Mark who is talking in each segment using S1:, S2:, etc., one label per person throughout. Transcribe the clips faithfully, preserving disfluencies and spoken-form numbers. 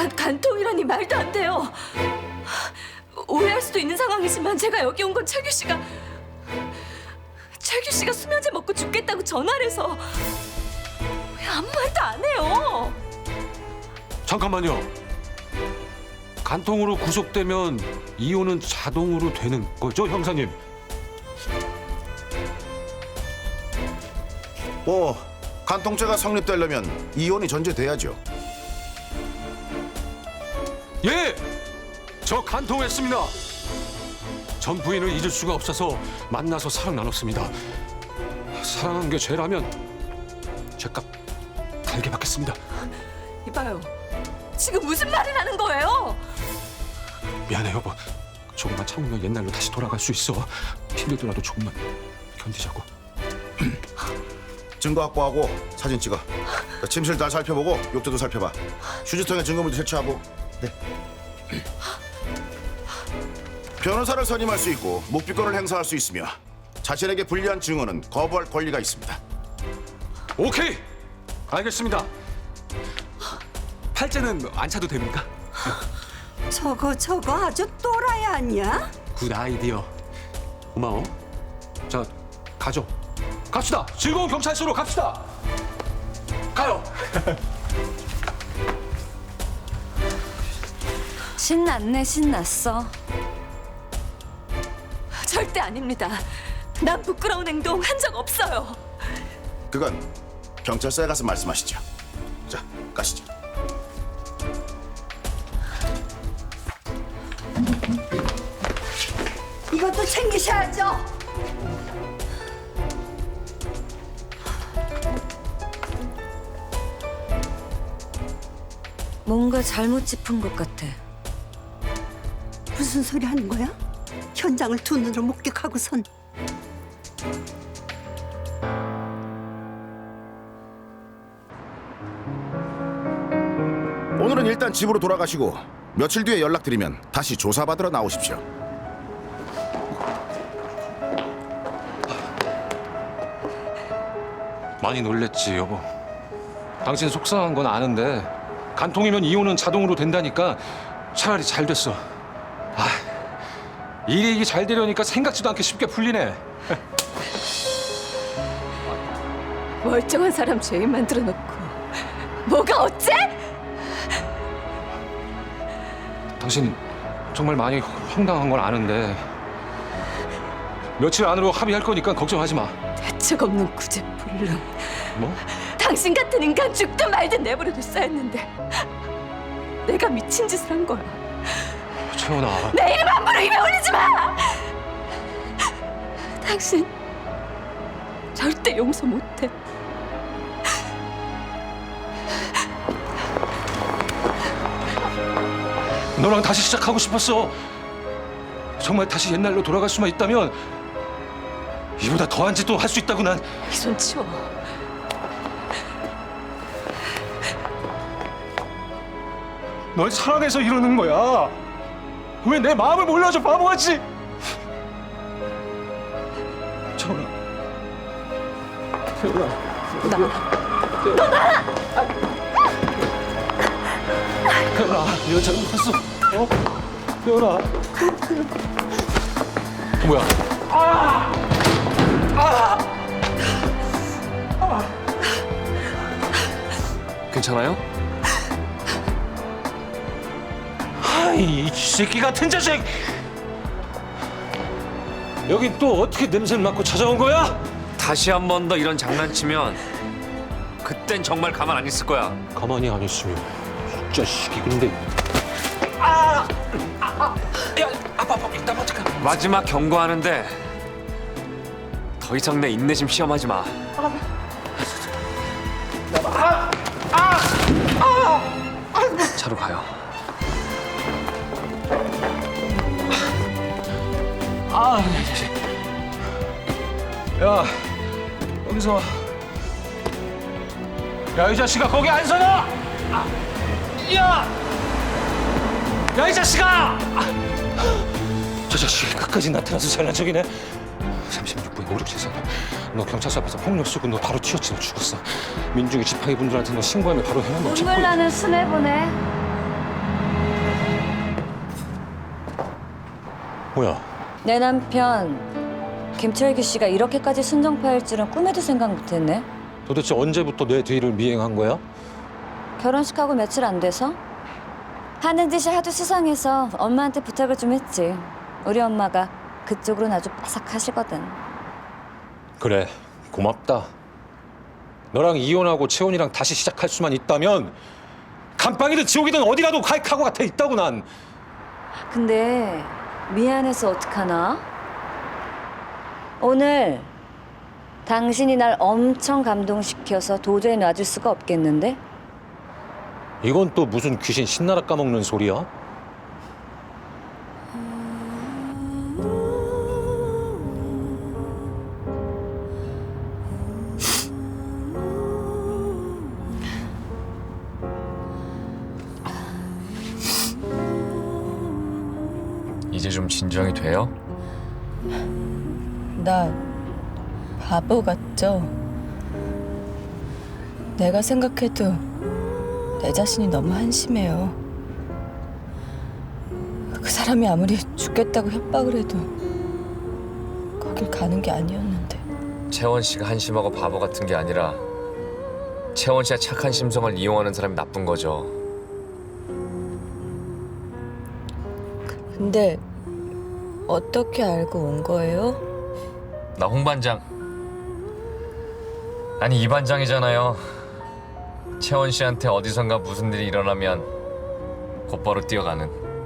S1: 간, 간통이라니 말도 안 돼요. 오해할 수도 있는 상황이지만 제가 여기 온 건 최규 씨가 최규 씨가 수면제 먹고 죽겠다고 전화를 해서 왜 아무 말도 안 해요?
S2: 잠깐만요. 간통으로 구속되면 이혼은 자동으로 되는 거죠, 형사님?
S3: 뭐 간통죄가 성립되려면 이혼이 전제돼야죠.
S2: 예! 저 간통했습니다. 전 부인을 잊을 수가 없어서 만나서 사랑 나눴습니다. 사랑한 게 죄라면 죄값 달게 받겠습니다.
S1: 이봐요. 지금 무슨 말을 하는 거예요?
S2: 미안해 여보. 조금만 참으면 옛날로 다시 돌아갈 수 있어. 힘들더라도 조금만 견디자고.
S3: 증거 확보하고 사진 찍어. 자, 침실 잘 살펴보고 욕조도 살펴봐. 휴지통에 증거물도 채취하고. 네. 변호사를 선임할 수 있고 묵비권을 행사할 수 있으며 자신에게 불리한 증언은 거부할 권리가 있습니다.
S2: 오케이! 알겠습니다. 팔째는 안 차도 됩니까?
S4: 저거 저거 아주 또라이 아니야?
S2: 굿 아이디어. 고마워. 자, 가죠. 갑시다. 즐거운 경찰서로 갑시다. 가요.
S1: 신났네, 신났어. 절대 아닙니다. 난 부끄러운 행동 한 적 없어요.
S3: 그건 경찰서에 가서 말씀하시죠. 자, 가시죠.
S4: 이것도 챙기셔야죠.
S1: 뭔가 잘못 짚은 것 같아.
S4: 무슨 소리 하는 거야? 현장을 두 눈으로 목격하고선
S3: 오늘은 일단 집으로 돌아가시고 며칠 뒤에 연락드리면 다시 조사받으러 나오십시오.
S2: 많이 놀랬지, 여보. 당신 속상한 건 아는데 간통이면 이혼은 자동으로 된다니까 차라리 잘 됐어. 아, 일이 이게 잘 되려니까 생각지도 않게 쉽게 풀리네.
S1: 멀쩡한 사람 죄인 만들어 놓고 뭐가 어째?
S2: 당신 정말 많이 황당한 건 아는데 며칠 안으로 합의할 거니까 걱정하지 마.
S1: 대책 없는 구제불능.
S2: 뭐?
S1: 당신 같은 인간 죽든 말든 내버려뒀어야 했는데 내가 미친 짓을 한 거야.
S2: 채원아.
S1: 내 이름 함부로 입에 올리지 마! 당신 절대 용서 못해.
S2: 너랑 다시 시작하고 싶었어. 정말 다시 옛날로 돌아갈 수만 있다면 이보다 더한 짓도 할 수 있다고 난.
S1: 이 손 치워.
S2: 널 사랑해서 이러는 거야. 왜 내 마음을 몰라줘, 바보같이. 채원아. 채원아.
S1: 나
S2: 태연아, 내가 잘못했어. 어? 태연아. 뭐야? 아! 아! 아! 괜찮아요? 아이, 이 새끼 같은 자식! 여긴 또 어떻게 냄새를 맡고 찾아온 거야?
S5: 다시 한 번 더 이런 장난치면 그땐 정말 가만 안 있을 거야.
S2: 가만히 안 있으면 이 자식이 근데. 아! 아! 아! 야, 아빠, 아빠, 이따 어떡해.
S5: 마지막 경고하는데 더 이상 내 인내심 시험하지 마. 차로 가요.
S2: 아, 이 자식. 야, 여기서. 야, 이 자식아, 거기 안 서너! 아, 야! 야, 이 자식아! 아, 저 자식이 끝까지 나타나서 잘난 척이네. 삼십육 분 오륙칠선. 너 경찰서 앞에서 폭력 쓰고 너 바로 튀었지. 너 죽었어. 민중이 지팡이 분들한테 너 신고하면 바로 해면 너 체포.
S1: 눈물 나는 수뇌보네.
S2: 뭐야?
S6: 내 남편 김철규 씨가 이렇게까지 순정파일 줄은 꿈에도 생각 못했네.
S2: 도대체 언제부터 내 뒤를 미행한 거야?
S6: 결혼식하고 며칠 안 돼서 하는 짓이 하도 수상해서 엄마한테 부탁을 좀 했지. 우리 엄마가 그쪽으로는 아주 빠삭하시거든.
S2: 그래, 고맙다. 너랑 이혼하고 채원이랑 다시 시작할 수만 있다면 감방이든 지옥이든 어디라도 갈 각오 같아 있다고 난.
S6: 근데 미안해서 어떡하나? 오늘 당신이 날 엄청 감동시켜서 도저히 놔줄 수가 없겠는데?
S2: 이건 또 무슨 귀신 신나라 까먹는 소리야?
S5: 이제 좀 진정이 돼요?
S7: 나 바보 같죠? 내가 생각해도 내 자신이 너무 한심해요. 그 사람이 아무리 죽겠다고 협박을 해도 거길 가는 게 아니었는데.
S5: 채원 씨가 한심하고 바보 같은 게 아니라 채원 씨의 착한 심성을 이용하는 사람이 나쁜 거죠.
S7: 근데 어떻게 알고 온 거예요?
S5: 나 홍 반장. 아니 이 반장이잖아요. 채원 씨한테 어디선가 무슨 일이 일어나면 곧바로 뛰어가는.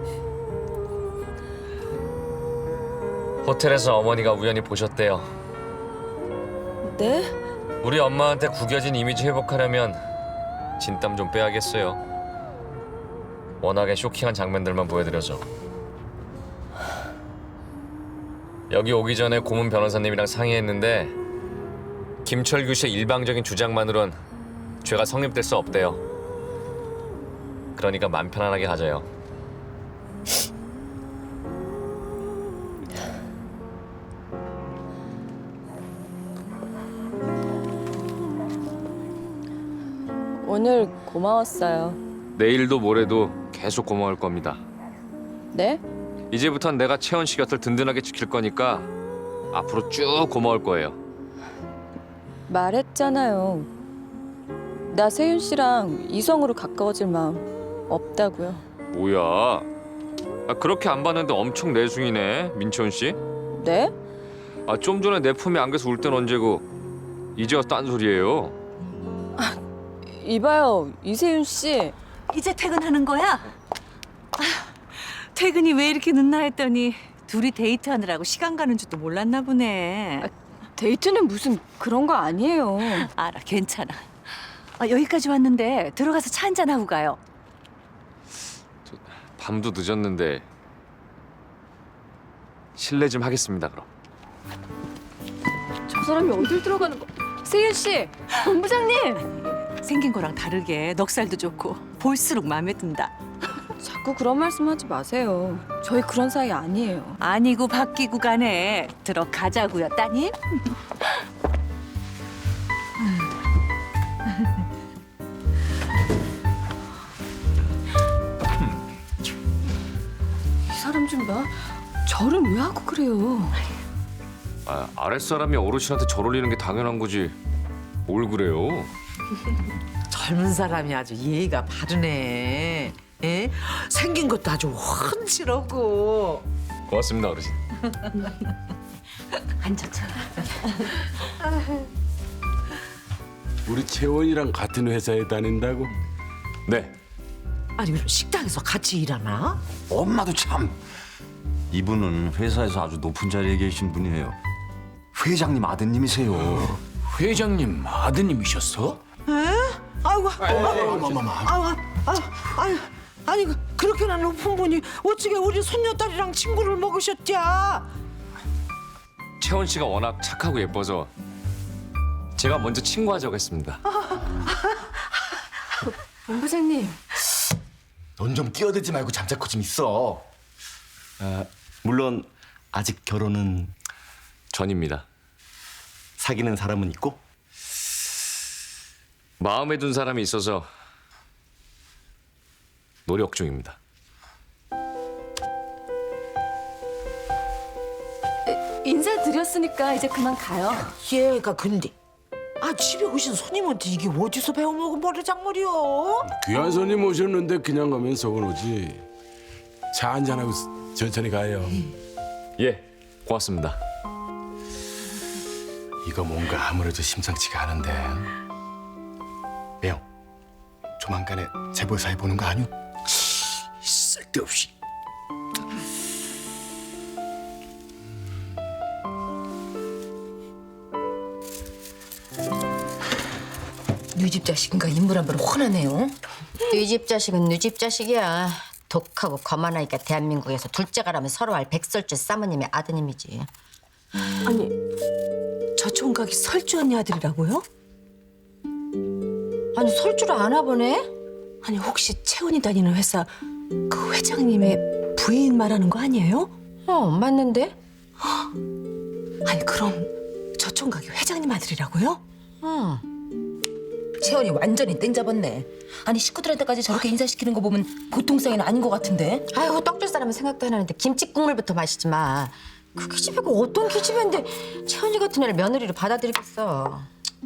S5: 호텔에서 어머니가 우연히 보셨대요.
S7: 네?
S5: 우리 엄마한테 구겨진 이미지 회복하려면 진땀 좀 빼야겠어요. 워낙에 쇼킹한 장면들만 보여드려서. 여기 오기 전에 고문 변호사님이랑 상의했는데 김철규 씨의 일방적인 주장만으론 죄가 성립될 수 없대요. 그러니까 맘 편안하게 하자요.
S7: 오늘 고마웠어요.
S5: 내일도 모레도 계속 고마울 겁니다.
S7: 네?
S5: 이제부턴 내가 채원 씨 곁을 든든하게 지킬 거니까 앞으로 쭉 고마울 거예요.
S7: 말했잖아요. 나 세윤 씨랑 이성으로 가까워질 마음 없다고요.
S5: 뭐야? 아, 그렇게 안 봤는데 엄청 내숭이네, 민채원 씨.
S7: 네?
S5: 아, 좀 전에 내 품에 안겨서 울 땐 언제고 이제 와서 딴소리예요.
S7: 이봐요, 이세윤 씨.
S1: 이제 퇴근하는 거야? 아, 퇴근이 왜 이렇게 늦나 했더니 둘이 데이트하느라고 시간 가는 줄도 몰랐나 보네.
S7: 데이트는 무슨 그런 거 아니에요.
S1: 알아, 괜찮아. 아, 여기까지 왔는데 들어가서 차 한잔 하고 가요.
S5: 밤도 늦었는데 실례 좀 하겠습니다, 그럼.
S7: 저 사람이 어딜 들어가는 거? 세윤 씨, 본부장님.
S1: 생긴 거랑 다르게 넉살도 좋고 볼수록 마음에 든다.
S7: 자꾸 그런 말씀하지 마세요. 저희 그런 사이 아니에요.
S1: 아니고 바뀌고 가네. 들어가자고요, 따님.
S7: 이 사람 좀 봐. 절은 왜 하고 그래요?
S5: 아, 아랫사람이 어르신한테 절 올리는 게 당연한 거지. 뭘 그래요?
S8: 젊은 사람이 아주 예의가 바르네. 에? 생긴 것도 아주 훤칠하고.
S5: 고맙습니다, 어르신.
S1: 앉아서.
S9: 우리 채원이랑 같은 회사에 다닌다고?
S5: 네.
S8: 아니 그럼 식당에서 같이 일하나?
S10: 엄마도 참. 이분은 회사에서 아주 높은 자리에 계신 분이에요. 회장님 아드님이세요.
S9: 회장님 아드님이셨어?
S8: 아이고, 아이고, 아이고, 아이고, 아니 그- 그렇게나 높은 분이 어찌게 우리 손녀딸이랑 친구를 먹으셨냐?
S5: 채원 씨가 워낙 착하고 예뻐서 제가 먼저 친구하자고 했습니다.
S7: 본부장님.
S10: 넌 좀 끼어들지 말고 잠자코 좀 있어. 아, 물론 아직 결혼은
S5: 전입니다.
S10: 사귀는 사람은 있고?
S5: 마음에 둔 사람이 있어서 노력 중입니다.
S6: 인사드렸으니까 이제 그만 가요.
S8: 얘가 근데 아 집에 오신 손님한테 이게 어디서 배워먹은 버르장머리요?
S9: 귀한 손님 오셨는데 그냥 가면 서운하지. 차 한잔하고 천천히 가요.
S5: 예, 고맙습니다.
S2: 이거 뭔가 아무래도 심상치가 않은데. 매형, 조만간에 재벌사에 보는 거 아니오? 쓸데없이.
S7: 네집 자식인가 인물 한 번 훤하네요.
S11: 네 집 자식은 네 집 자식이야. 독하고 거만하니까 대한민국에서 둘째가라면 서로 알 백설주 사모님의 아드님이지.
S1: 아니, 저 총각이 설주 언니 아들이라고요?
S11: 아니 설주를 아나 보네?
S1: 아니, 혹시 채원이 다니는 회사 그 회장님의 부인 말하는 거 아니에요?
S11: 어 맞는데?
S1: 아니, 그럼 저 총각이 회장님 아들이라고요?
S11: 응.
S7: 채원이 완전히 땡 잡았네. 아니 식구들한테까지 저렇게 인사시키는 거 보면 보통 사이는 아닌 것 같은데.
S11: 아이고 떡줄 사람은 생각도 안 하는데 김치 국물부터 마시지 마. 그 기집애가 어떤 기집애인데 채원이 같은 애를 며느리로 받아들이겠어.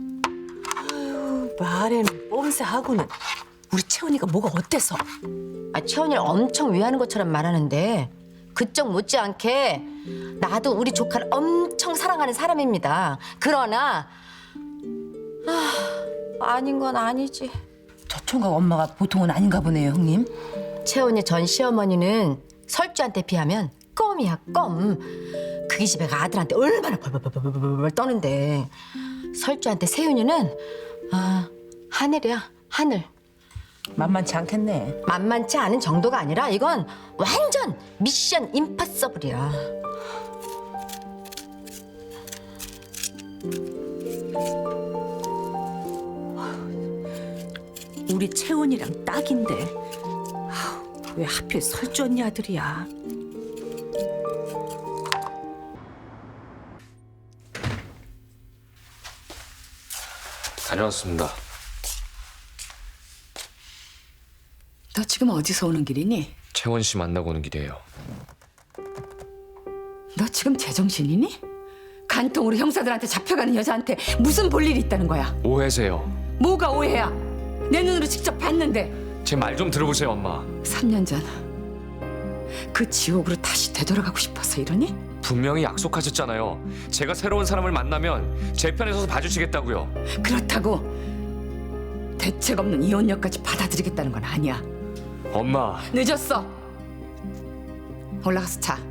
S1: 말에는 뽐새하고는 우리 채원이가 뭐가 어때서?
S11: 아, 채원이를 엄청 위하는 것처럼 말하는데 그쪽 못지않게 나도 우리 조카를 엄청 사랑하는 사람입니다. 그러나 아, 아닌 건 아니지.
S7: 저 총각 엄마가 보통은 아닌가 보네요, 형님.
S11: 채원이 전 시어머니는 설주한테 비하면 껌이야, 껌. 그 기집애가 아들한테 얼마나 벌벌벌벌벌 떠는데 설주한테 세윤이는 아 하늘이야, 하늘.
S7: 만만치 않겠네.
S11: 만만치 않은 정도가 아니라 이건 완전 미션 임파서블이야.
S1: 우리 채원이랑 딱인데 아우, 왜 하필 설주 언니 아들이야?
S5: 다녀왔습니다.
S7: 너 지금 어디서 오는 길이니?
S5: 채원 씨 만나고 오는 길이에요.
S7: 너 지금 제정신이니? 간통으로 형사들한테 잡혀가는 여자한테 무슨 볼 일이 있다는 거야?
S5: 오해세요.
S7: 뭐가 오해야? 내 눈으로 직접 봤는데.
S5: 제 말 좀 들어보세요, 엄마.
S7: 삼 년 전 그 지옥으로 다시 되돌아가고 싶어서 이러니?
S5: 분명히 약속하셨잖아요. 제가 새로운 사람을 만나면 제 편에 서서 봐주시겠다고요.
S7: 그렇다고 대책 없는 이혼녀까지 받아들이겠다는 건 아니야.
S5: 엄마.
S7: 늦었어. 올라가서 자.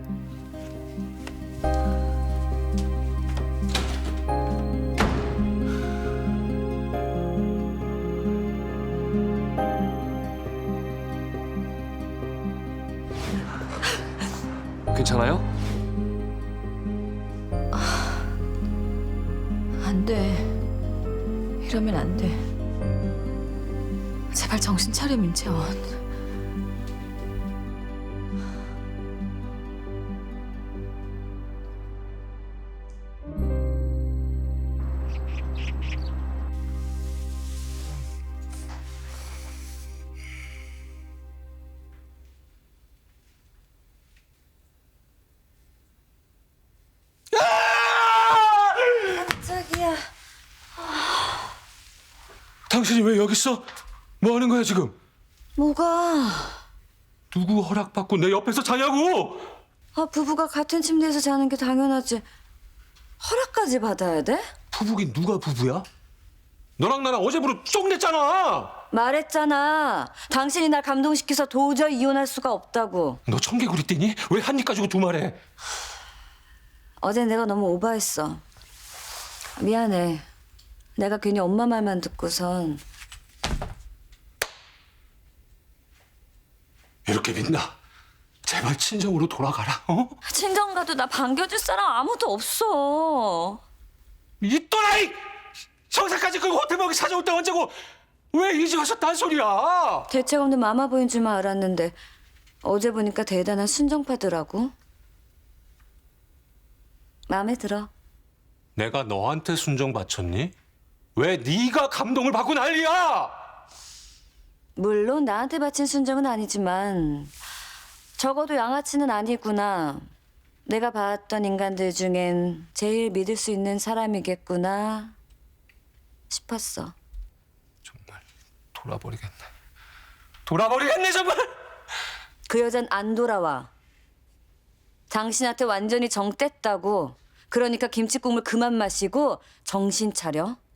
S5: 괜찮아요?
S7: 안 돼. 이러면 안 돼. 제발 정신 차려, 민채원.
S6: 깜짝이야.
S2: 당신이 왜 여기 있어? 뭐 하는 거야 지금?
S6: 뭐가?
S2: 누구 허락받고 내 옆에서 자냐고?
S6: 아, 부부가 같은 침대에서 자는 게 당연하지. 허락까지 받아야 돼?
S2: 부부긴 누가 부부야? 너랑 나랑 어제부로 쫑냈잖아.
S6: 말했잖아. 당신이 날 감동시켜서 도저히 이혼할 수가 없다고.
S2: 너 청개구리 떼니? 왜 한 입 가지고 두 말해?
S6: 어제 내가 너무 오버했어. 미안해. 내가 괜히 엄마 말만 듣고선.
S2: 이렇게 믿나? 제발 친정으로 돌아가라. 어?
S6: 친정 가도 나 반겨줄 사람 아무도 없어.
S2: 이 또라이! 성사까지 그 호텔 먹이 찾아올 때 언제고 왜 이제 와서 딴소리야?
S6: 대책 없는 마마보이인 줄만 알았는데 어제 보니까 대단한 순정파더라고. 마음에 들어.
S2: 내가 너한테 순정 바쳤니? 왜 네가 감동을 받고 난리야?
S6: 물론 나한테 바친 순정은 아니지만 적어도 양아치는 아니구나. 내가 봤던 인간들 중엔 제일 믿을 수 있는 사람이겠구나 싶었어.
S2: 정말 돌아버리겠네. 돌아버리겠네 정말.
S6: 그 여잔 안 돌아와. 당신한테 완전히 정 뗐다고. 그러니까 김치국물 그만 마시고 정신 차려.